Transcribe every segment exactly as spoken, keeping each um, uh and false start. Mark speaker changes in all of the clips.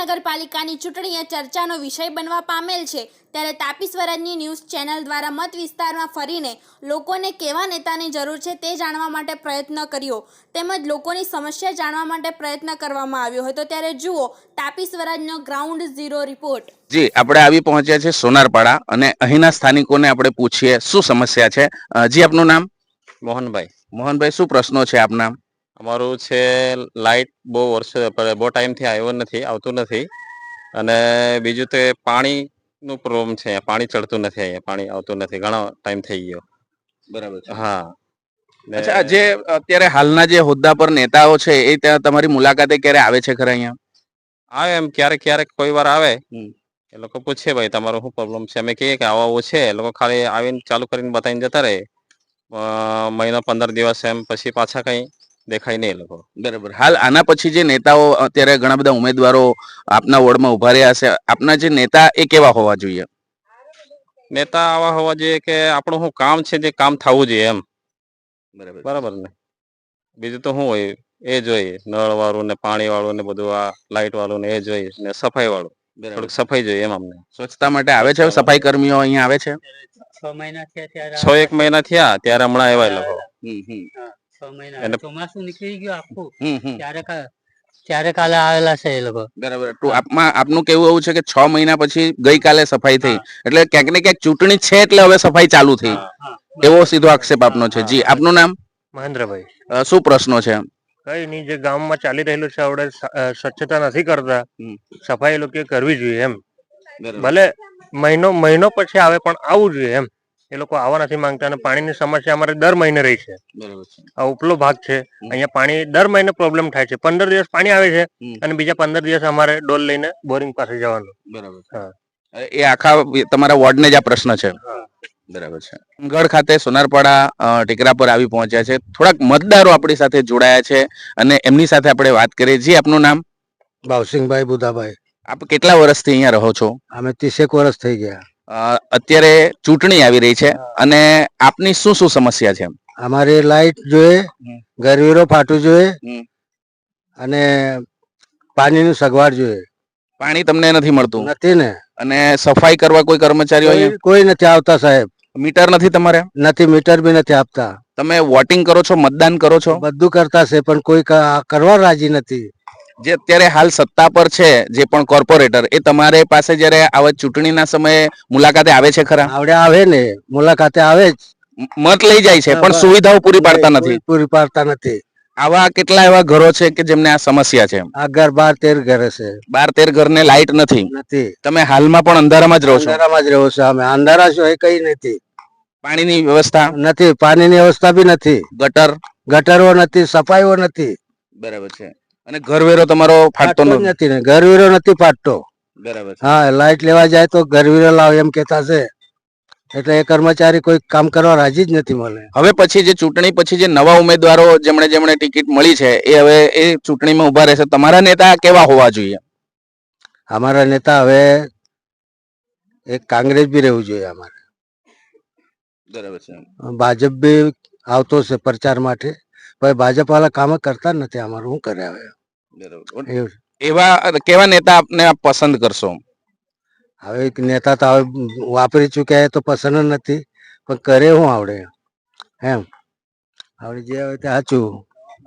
Speaker 1: નગરપાલિકાની ચૂંટણી ચર્ચાનો વિષય બનવા પામેલ છે, ત્યારે તાપી સ્વરાજની ન્યૂઝ ચેનલ દ્વારા મત વિસ્તારમાં ફરીને લોકોને કેવા નેતાની જરૂર છે તે જાણવા માટે પ્રયત્ન કર્યો, તેમજ લોકોની સમસ્યા જાણવા માટે પ્રયત્ન કરવામાં આવ્યો હતો। ત્યારે જુઓ તાપી સ્વરાજનો ગ્રાઉન્ડ ઝીરો રિપોર્ટ।
Speaker 2: જી, આપણે આવી પહોંચ્યા છે સોનારપાડા અને અહીંના સ્થાનિકોને આપણે પૂછીએ શું સમસ્યા છે। જી, આપનું નામ?
Speaker 3: મોહનભાઈ।
Speaker 2: મોહનભાઈ, શું પ્રશ્નો છે આપના?
Speaker 3: અમારું છે લાઇટ બહુ વર્ષો બહુ ટાઈમથી આવ્યો નથી આવતું નથી અને બીજું તે પાણીનું પ્રોબ્લેમ છે, પાણી ચડતું નથી, અહીંયા પાણી આવતું નથી, ઘણો ટાઈમ થઈ ગયો।
Speaker 2: બરાબર છે।
Speaker 3: હા,
Speaker 2: અચ્છા, જે અત્યારે હાલના જે હોદ્દા પર નેતાઓ છે એ ત્યાં તમારી મુલાકાતે ક્યારે આવે છે ખરા અહીંયા?
Speaker 3: આવે એમ ક્યારેક ક્યારેક કોઈ વાર આવે, એ લોકો પૂછે ભાઈ તમારો શું પ્રોબ્લેમ છે, અમે કહીએ કે આવો આવું છે, એ લોકો ખાલી આવીને ચાલુ કરીને બતાવીને જતા રહે, મહિનો પંદર દિવસ એમ પછી પાછા કઈ દેખાય નહીં એ લોકો।
Speaker 2: બરાબર। હાલ આના પછી જે નેતાઓ અત્યારે ઘણા બધા ઉમેદવારો આપના વોર્ડમાં ઉભા રહ્યા છે, આપના જે નેતા એ કેવા હોવા જોઈએ?
Speaker 3: નેતા આવા હોવા જોઈએ કે આપણું શું કામ છે જે કામ થવું જોઈએ એમ।
Speaker 2: બરાબર
Speaker 3: બરાબર ને, બીજું તો શું હોય એ જોઈએ, નળ વાળું ને પાણી વાળું ને બધું, આ લાઇટ વાળું ને એ જોઈએ, ને સફાઈ વાળું, થોડીક સફાઈ જોઈએ એમ અમને।
Speaker 2: સ્વચ્છતા માટે આવે છે સફાઈ કર્મીઓ અહીંયા આવે છે?
Speaker 4: છ મહિના થયા
Speaker 3: છ એક મહિના થયા ત્યારે હમણાં આવ્યા એ લોકો।
Speaker 4: છ મહિના ચોમાસું નીકળી ગયું આખું, ત્યારે ત્યારે કાલે આવેલા છે એ લોકો।
Speaker 2: બરાબર। તો આપમાં આપનું કેવું એવું છે કે છ મહિના પછી ગઈકાલે સફાઈ થઈ, એટલે ક્યાંક ને ક્યાંક ચૂંટણી છે એટલે હવે સફાઈ ચાલુ થઈ, એવો સીધો આક્ષેપ આપનો છે। જી, આપનું નામ?
Speaker 5: મહેન્દ્રભાઈ।
Speaker 2: શું પ્રશ્નો છે?
Speaker 5: કઈ નહીં, જે ગામમાં ચાલી રહેલું છે આપણે સ્વચ્છતા નથી કરતા, સફાઈ લોકો કરવી જોઈએ એમ, ભલે મહિનો મહિનો પછી આવે પણ આવવું જોઈએ એમ। એ લોકો આવવા નથી માંગતા અને પાણીની સમસ્યા અમારે દર મહિને રહી છે। આ ઉપલો ભાગ છે, અહીંયા પાણી દર મહિને પ્રોબ્લેમ થાય છે, પંદર દિવસ પાણી આવે છે અને બીજા પંદર દિવસ અમારે ડોલ લઈને બોરિંગ પાસે જવાનું।
Speaker 2: બરાબર। એ આખા તમારા વોર્ડને જ આ પ્રશ્ન છે? બરાબર છે। ગઢ ખાતે સોનારપાડા ટેકરા પર આવી પહોંચ્યા છે, થોડાક મતદારો આપણી સાથે જોડાયા છે અને એમની સાથે આપણે વાત કરીએ। જી, આપનું નામ?
Speaker 6: ભાવસિંહભાઈ બુધાભાઈ।
Speaker 2: આપ કેટલા વર્ષથી અહીંયા રહો છો?
Speaker 6: અમે ત્રીસેક વર્ષ થઈ ગયા।
Speaker 2: અત્યારે ચૂંટણી આવી રહી છે અને આપની શું શું સમસ્યા છે?
Speaker 6: અમારે લાઈટ જોઈએ, ગરવીરો ફાટવું જોઈએ અને પાણીનું સગવડ જોઈએ।
Speaker 2: પાણી તમને નથી મળતું?
Speaker 6: નથી ને।
Speaker 2: અને સફાઈ કરવા કોઈ કર્મચારીઓ?
Speaker 6: કોઈ નથી આવતા સાહેબ।
Speaker 2: મીટર નથી તમારે?
Speaker 6: નથી, મીટર બી નથી આપતા।
Speaker 2: તમે વોટિંગ કરો છો, મતદાન કરો છો?
Speaker 6: બધું કરતા છે પણ કોઈ કરવા રાજી નથી।
Speaker 2: જે અત્યારે હાલ સત્તા પર છે જે પણ કોર્પોરેટર, એ તમારે પાસે જયારે આવા ચૂંટણીના સમયે મુલાકાતે આવે છે ખરા?
Speaker 6: આવડે આવે ને, મુલાકાતે આવે જ,
Speaker 2: મત લઈ જાય છે પણ સુવિધાઓ પૂરી પાડતા નથી?
Speaker 6: પૂરી પાડતા નથી।
Speaker 2: આવા કેટલા એવા ઘરો છે કે જેમને આ સમસ્યા છે?
Speaker 6: આ ઘર બાર તેર ઘરે છે,
Speaker 2: બાર તેર ઘરને લાઇટ નથી?
Speaker 6: નથી।
Speaker 2: તમે હાલમાં પણ અંધારામાં જ રહો છો?
Speaker 6: અંધારામાં જ રહો છો અમે, અંધારા છો એ કઈ નથી।
Speaker 2: પાણીની વ્યવસ્થા
Speaker 6: નથી, પાણીની વ્યવસ્થા બી નથી,
Speaker 2: ગટર
Speaker 6: ગટરો નથી, સફાઈઓ નથી।
Speaker 2: બરાબર છે। અને ઘરવેરો તમારો ફાટતો
Speaker 6: નથી ને, ઘરવેરો નથી ફાટતો।
Speaker 2: બરાબર છે।
Speaker 6: હા, લાઈટ લેવા જાય તો ઘરવેરો લાવ એમ કેતા છે, એટલે એ કર્મચારી કોઈ કામ કરવા રાજી જ નથી મને।
Speaker 2: હવે પછી જે ચૂંટણી પછી જે નવા ઉમેદવારો જેમણે જેમણે ટિકિટ મળી છે એ હવે એ ચૂંટણીમાં ઉભા રહેશે, તમારા નેતા કેવા હોવા જોઈએ?
Speaker 6: અમારા નેતા હવે એક કોંગ્રેસ બી રહેવું જોઈએ અમારે।
Speaker 2: બરાબર છે।
Speaker 6: ભાજપ બી આવતો છે પ્રચાર માટે, પણ ભાજપ વાળા કામ કરતા નથી, અમારું શું કરે હવે?
Speaker 2: બરાબર। એવા કેવા નેતા આપને આપ પસંદ કરશો?
Speaker 6: હવે એક નેતા તો હવે વાપરી ચૂક્યા તો પસંદ નથી, પણ કરે શું આવડે એમ, આવડે જે આવે તે સાચું।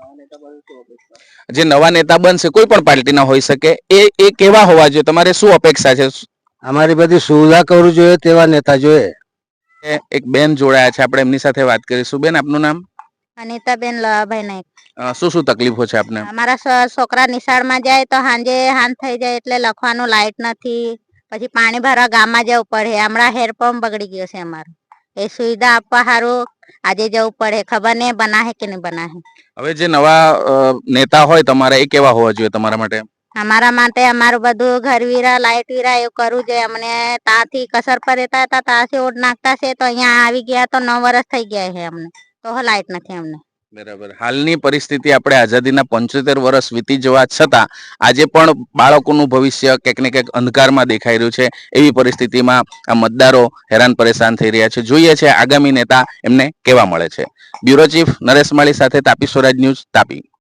Speaker 2: જે નવા નેતા બનશે, કોઈ પણ પાર્ટીના હોઈ શકે, એ એ કેવા હોવા જોઈએ, તમારે શું અપેક્ષા છે?
Speaker 6: અમારી બધી સુવિધા કરવું જોઈએ તેવા નેતા જોઈએ।
Speaker 2: એક બેન જોડાયા છે, આપણે એમની સાથે વાત કરીશું। બેન, આપનું નામ?
Speaker 7: અનિતાબેન લવાભાઈ નાયક।
Speaker 2: શું શું તકલીફો છે આપને?
Speaker 7: અમારા છોકરા નિશાળમાં જાય તો સાંજે હાંજ થઈ જાય એટલે લખવાનું લાઈટ નથી, પછી પાણી ભરવા ગામમાં જવું પડે, હમણાં હેરપંપ બગડી ગયો છે અમારો, એ સુવિધા આપવા સારું આજે જવું પડે, ખબર નહીં બનાહે કે નહીં બનાહે।
Speaker 2: હવે જે નવા નેતા હોય તમારા, એ કેવા હોવા જોઈએ તમારા માટે?
Speaker 7: અમારા માટે અમારું બધું ઘરવીરા લાઈટ વીરા એવું કરવું જોઈએ। અમને ત્યાંથી કસર પર રહેતા હતા, ત્યાંથી ઓઢ નાખતા છે, તો અહીંયા આવી ગયા તો નવ વર્ષ થઈ ગયા છે અમને, તો લાઈટ નથી અમને।
Speaker 2: બરાબર। હાલની પરિસ્થિતિ આપણે આઝાદીના પંચોતેર વર્ષ વીતી જવા છતાં આજે પણ બાળકોનું ભવિષ્ય ક્યાંક ને ક્યાંક અંધકારમાં દેખાઈ રહ્યું છે, એવી પરિસ્થિતિમાં આ મતદારો હેરાન પરેશાન થઈ રહ્યા છે। જોઈએ છે આગામી નેતા એમને કેવા મળે છે। બ્યુરો ચીફ નરેશ માળી સાથે તાપી સ્વરાજ ન્યૂઝ, તાપી।